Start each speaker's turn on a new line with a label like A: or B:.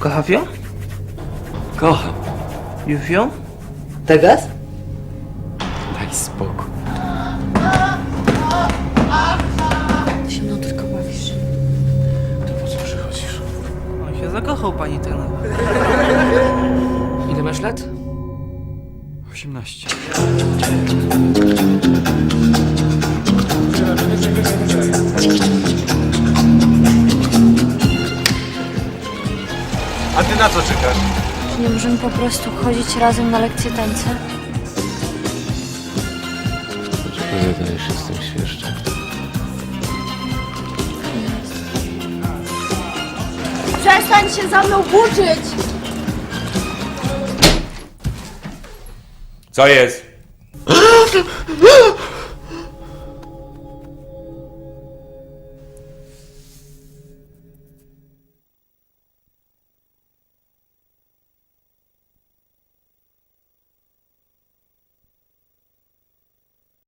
A: Kochasz ją?
B: Kocham.
A: Już ją?
C: Teraz?
B: Daj spokój.
C: Ty się mną tylko bawisz.
B: To po co przychodzisz?
A: On się zakochał, pani trener.
B: Ile masz lat? 18.
D: A ty na co czekasz?
E: Czy nie możemy po prostu chodzić razem na lekcje tańca?
B: Wydajesz się z tym świerszczem.
E: Przestań się za mną włóczyć!
D: Co jest?